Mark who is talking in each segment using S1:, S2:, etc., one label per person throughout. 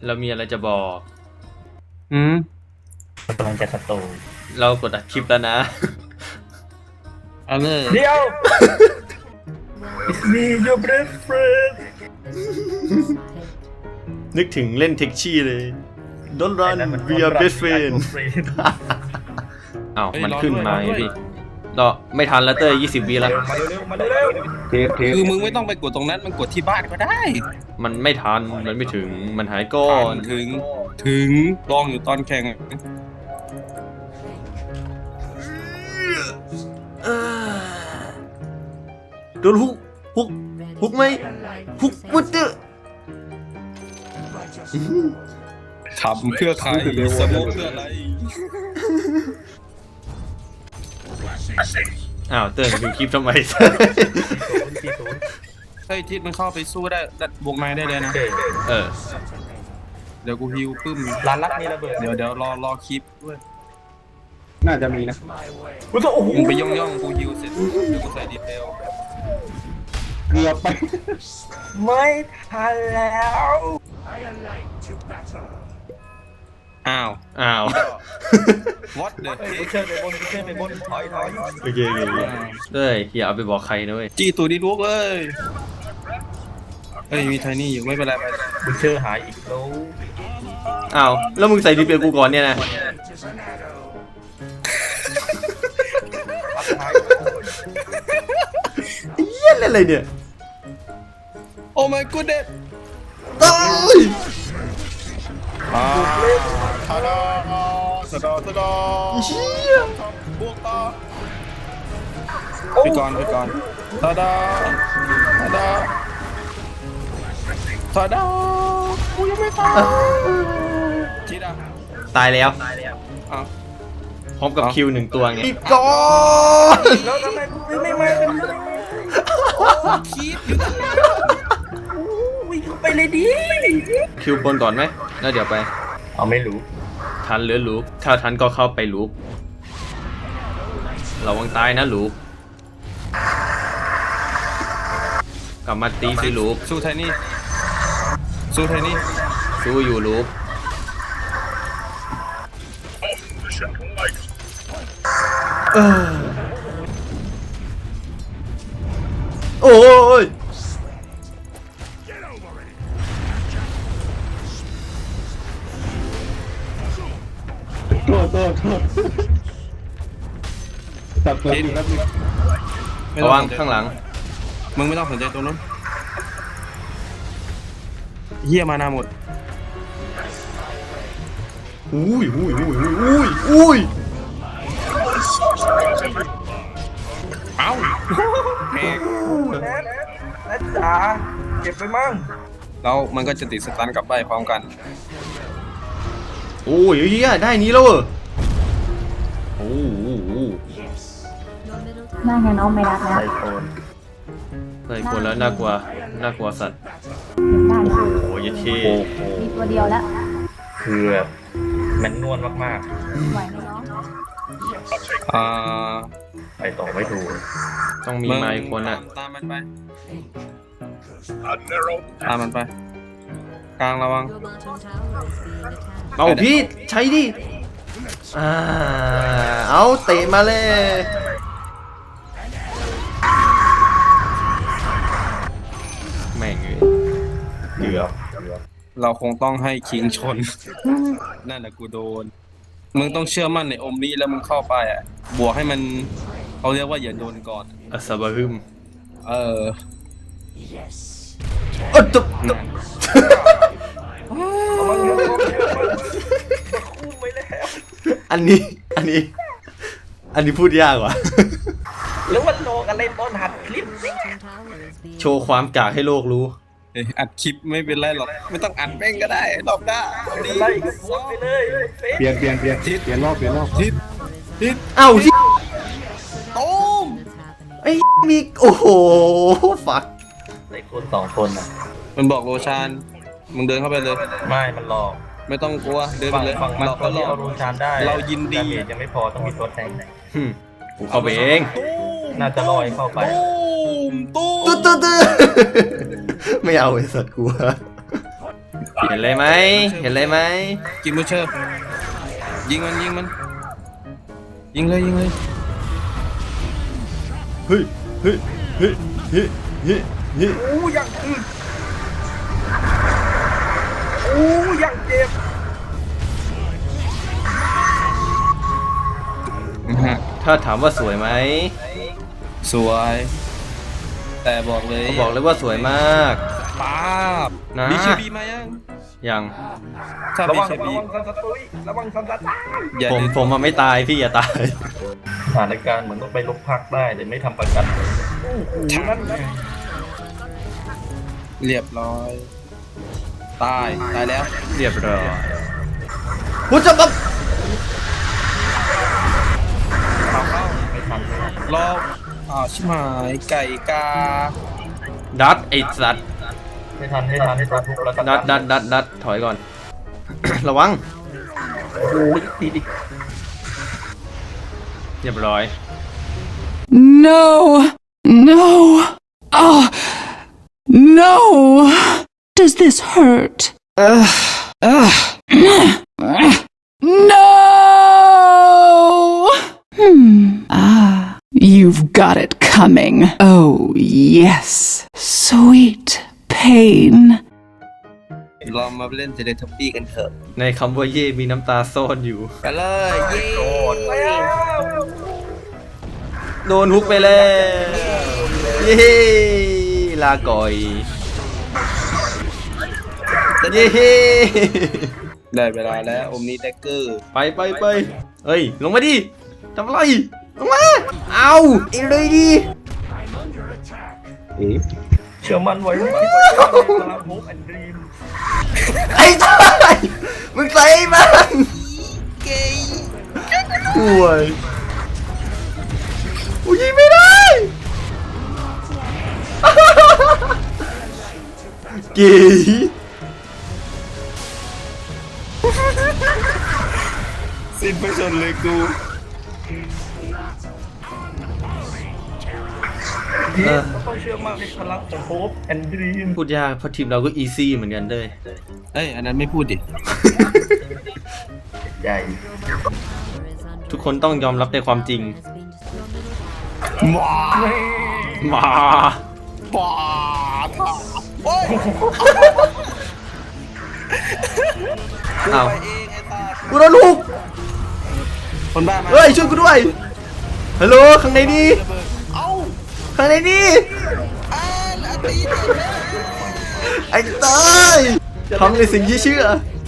S1: เรามีอะไรจะบอก
S2: กำลังจะสตู
S1: เรากดอัดคลิปแล้วนะ
S3: เอาเลย
S2: เดี๋ยว It's me your best friend
S1: นึกถึงเล่นเท็กชี่เลย Don't run we are best friend อ้าวมันขึ้นมาไงพี่เราไม่ทันแล้วเต้ย20 วิแล้ว
S2: มาเร็ว
S3: คือมึงไม่ต้องไปกดตรงนั้นมันกดที่บ้านก็ได้
S1: มันไม่ทันมันไม่ถึงมันหายก่อน
S3: ถึงลองอยู่ตอนแข่ง
S1: โดนฮุกไหมฮุกมุดเตอร์
S3: ทำเพื่อใครสมองเพื่ออะไร
S1: อ้าวเต้ยดูคลิปทำไม
S3: เฮ้ยทิศมันเข้าไปสู้ได้บวกนายได้เลยนะ
S1: เออ
S3: เดี๋ยวกูฮิวปึ้ม
S2: ร้านรักมีระเบิด
S3: เดี๋ยวรอคลิปด้วย
S4: น่าจะมีนะ
S2: กูต้องโอ้โห
S3: มึงไปย่องกูฮิวเสร็จเดี๋ยวกูใส่ดีเทล
S4: เกือบไป
S2: ไม่ทันแล้ว
S3: อ้าว what the
S2: กูเชิญไปบนถอย
S1: โอเคเต้ยอย่าเอาไปบอกใครนะเว้ย
S3: จี้ตูดีลูกเลยเฮ้ยมีไทนี่อยู่ไม่เป็นไรไป
S2: กูเชิญหายอีกแล้ว
S1: อ้าวแล้วมึงใส่ดีเปลกูก่อนเนี่ยนะเหี้ยอะไรเนี่ย
S3: โอ้ my goodness
S1: ตาย
S3: ทาดาสะดอ
S1: เหี้ย
S3: บวกต่อไปก่อนทาดากูยังไม่ตายทิดอ่ะ
S1: ตายแล้ว
S3: อ้าว
S1: พร้อมกับคิว1 ตัวไงก่อน
S2: แล้วทำไมกูไม่มาเป็นเลย
S3: คิดอยู่ตั้งนาน
S2: วิ่งเข้าไปเลยดิ
S1: คิวบนก่อนไหมแล้วเดี๋ยวไป
S2: เอาไม่รู้
S1: ทันหรือลูกถ้าทันก็เข้าไปลูกระวังตายนะลูกกลับมาตีสิลูก
S3: สู้ไทนี่
S1: สู้อยู่ลูกโอ้ย
S4: โทษตัดตัวดีแล้วพี่
S1: ระวังข้างหลัง
S3: มึงไม่ต้องสนใจตัวนู้นเฮียมานาหมด
S1: อุ้ย
S3: เอ้าแม่ง
S2: นัดจ๋าเก็บไปมั่ง
S3: แล้วมันก็จะติดสตันกลับไปพร้อมกัน
S1: โอ้ยเฮียได้นี้แล้วเหรอโอ้โห
S5: น่าไงน้องไม่รักแล้ว
S2: ไอโฟน
S1: เฮ้ยคนแล้วน่ากลัวสัตว์
S5: ได้ค่ะ
S1: โอ้ยเท่
S2: โอ้โห
S5: มีตัวเดียวแล้ว
S2: คือแบบมันนวลมาก
S5: ไหวไหมน้อง
S2: ๆ ไปต่อไม่ถูก
S1: ต้องมีไมค์คนอ่ะ
S3: ตามมันไปกลางระวัง
S1: เอาพี่ใช้ดิเอาเตะมาเลยแม่งเลย
S2: เกือบ
S3: เราคงต้องให้คิงชน นั่นแหละกูโดน มึงต้องเชื่อมั่นในอมนี้แล้วมึงเข้าไปอ่ะ บวกให้มันเขาเรียกว่าอย่าโดนก่อน
S1: อัสบะฮึม
S3: เออ
S1: ตุ๊บ
S3: นั่น
S2: คู่ไปแล้ว
S1: อันนี้พูดยากว่ะ
S2: หรือว่าโลกอะไรตอนหัดคลิปสิ
S1: โชว์ความกากให้โลกรู้
S3: เอ้ยอัดคลิปไม่เป็นไรหรอก ไม่ต้องอัดแม่งก็ได้รอบหน้า
S2: ไล่กันพูดไปเลยเฟซ
S4: เปลี่ยนรอบ
S3: ทิศ
S1: เอ้าที่
S3: ตูม
S1: ไอ้มีโอ้โหฟัก
S2: ไอ้คนสองคนน่ะ
S3: มันบอกโรชาน มึงเดินเข้าไปเลย
S2: ไม่มันหลอก
S3: ไม่ต้องกลัว เดินไป
S2: ฝั่ง
S3: เลย
S2: ฝั่งมัน
S3: หลอก
S2: ค
S3: ก็
S2: น
S3: หล
S2: ที่
S3: อก
S2: เอารูชานได้
S3: เรายินดี
S2: ดาเมจยังไม่พอต้องมีตัวแทง
S1: กูเข้าไปเอง
S2: น่าจะลอยเข้าไป
S3: ตูม
S1: ตุ๊ดไม่เอาไอ้สัตว์กูเห็นเลยไหมเห็นเลยไหม
S3: กินบูเชอร์ยิงมันยิงมันยิงเลยยิงเลย
S1: เฮ้ยเฮ้ยเฮ้ยเฮ้ยเฮ้ยเฮ้ย
S2: โอ้ยังอึดโอ้ยังเจ็บ
S1: ถ้าถามว่าสวยไหม
S3: สวย แต่บอกเลย
S1: เขาบอกเลยว่าสวยมาก
S3: ป้าบ
S1: นะ
S3: บีเคบีมายัง
S1: ยัง
S3: ถ้า
S2: ระ
S3: บี
S2: วัง
S3: เค
S2: ระ
S3: บี
S2: วังซันสตุยระวังซันสตุย
S3: อย่า
S1: ผม
S3: ลืม
S1: ผมมาไม่ตายพี่อย่าตาย
S2: สถานการณ์เหมือนต้องไปลบพักได้แต่ไม่ทำประกันโอ้โหนั่นนะ
S3: เรียบร้อย ตายแล้ว
S1: เรียบร้อยพูดจะปั๊บ
S2: ไม่ทันเลย
S3: รอบชิบหายไก่กา
S1: ดัดไอ้สัตว์
S2: ไม่ทันตัวทุกแล้วก็
S1: ดัดถอยก่อน ระวัง
S2: โอ้โหตีดิ
S1: เรียบร้อย
S6: No! No! Oh! No! Does this hurt? No! You've got it coming. Oh, yes. Sweet pain.
S3: เรามาเล่นเทเลทับบี้กันเถอะ
S1: ในคำว่าเย่มีน้ำตาซ่อนอยู่
S3: ไปเลยเย้
S2: โดนแล้ว
S1: โดนฮุกไปแล้วเย้ลาก่อยเย้
S3: ได้เวลาแล้วอมนี้แดกเกอร์
S1: ไปเฮ้ยลงมาดิทำอะไรลงมาเอาอีเลยดิ
S2: เชื่อมันไว้ว่าพลังโฮปแอนด์ดรีม
S1: ไอ้ตายมึงใส่มันป่วยกูยิงไม่ได้ กี
S3: สิ้นประชนเลยกู
S2: ต้องเชื่อมั่นในพลังของโฮปแอนด์ดรีม
S1: พูดยากเพราะทีมเราก็อีซี่เหมือนกันเลย
S3: เอ้ยอันนั้นไม่พูดดิ
S2: ใหญ่
S1: ทุกคนต้องยอมรับในความจริงมา
S3: ป้าท่าโอ้ย
S1: อ้าว
S3: ไปเองไอ้ตา
S1: กูโดนลูก
S3: คนบ้ามา
S1: เฮ้ยช่วยกูด้วยฮัลโหลข้างในนี่
S3: เอ้า
S1: ข้างในนี่
S3: อาตี
S1: ไอ้ตายทำในสิ่งที่เชื่อ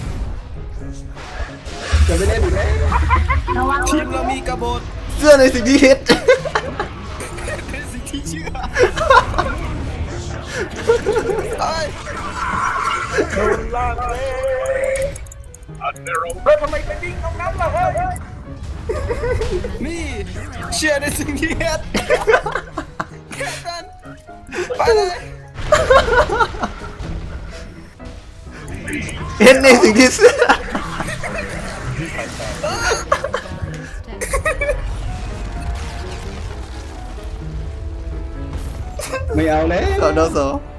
S4: จะไม่เล่นอีกแล้ว
S5: ระวัง
S3: ทีมเรามีกบฏ
S1: เชื่อในสิ่งที่คิด
S3: เป็นสิ่งที่เชื่อเอ้ย
S2: โดนลากเลยแล้วทำไมไปวิ่งตรงนั้นล่ะเฮ้ย
S3: นี่เชื่อในสิ่งที่เฮ็ดแค่นั้นไปเลย
S1: เห็นในสิ่งที่เชื่อ
S4: ไม่เอาแล้ว
S1: สอดอสอ